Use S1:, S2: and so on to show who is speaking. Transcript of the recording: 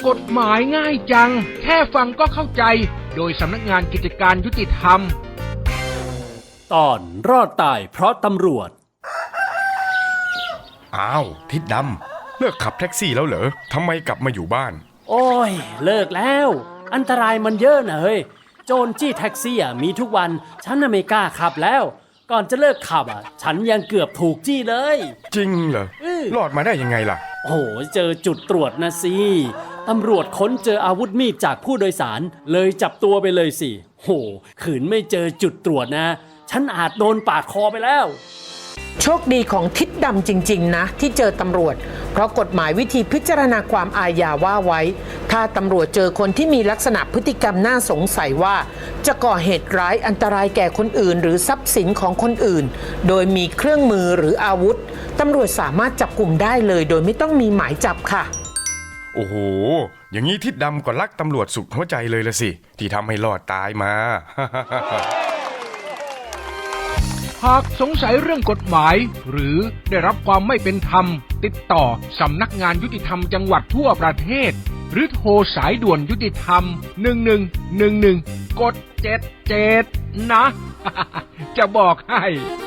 S1: กฎหมายง่ายจังแค่ฟังก็เข้าใจโดยสำนักงานกิจการยุติธรรม
S2: ตอนรอดตายเพราะตำรวจ
S3: อ้าวทิดดำเลิกขับแท็กซี่แล้วเหรอทำไมกลับมาอยู่บ้าน
S2: โอ้ยเลิกแล้วอันตรายมันเยอะนะเฮ้ยโจรจี้แท็กซี่มีทุกวันฉันน่ะไม่กล้าขับแล้วก่อนจะเลิกขับฉันยังเกือบถูกจี้เลย
S3: จริงเหรอรอดมาได้ยังไงล่ะ
S2: โอ้เจอจุดตรวจนะสิตำรวจค้นเจออาวุธมีดจากผู้โดยสารเลยจับตัวไปเลยสิโหขืนไม่เจอจุดตรวจนะฉันอาจโดนปาดคอไปแล้ว
S4: โชคดีของทิดดำจริงๆนะที่เจอตำรวจเพราะกฎหมายวิธีพิจารณาความอาญาว่าไว้ถ้าตำรวจเจอคนที่มีลักษณะพฤติกรรมน่าสงสัยว่าจะก่อเหตุร้ายอันตรายแก่คนอื่นหรือทรัพย์สินของคนอื่นโดยมีเครื่องมือหรืออาวุธตำรวจสามารถจับกลุ่มได้เลยโดยไม่ต้องมีหมายจับค่ะ
S3: โอ้โหอย่างนี้ทิดดำก็รักตำรวจสุดหัวใจเลยละสิที่ทำให้รอดตายมา
S1: หากสงสัยเรื่องกฎหมายหรือได้รับความไม่เป็นธรรมติดต่อสำนักงานยุติธรรมจังหวัดทั่วประเทศหรือโทรสายด่วนยุติธรรม1111กด77นะ จะบอกให้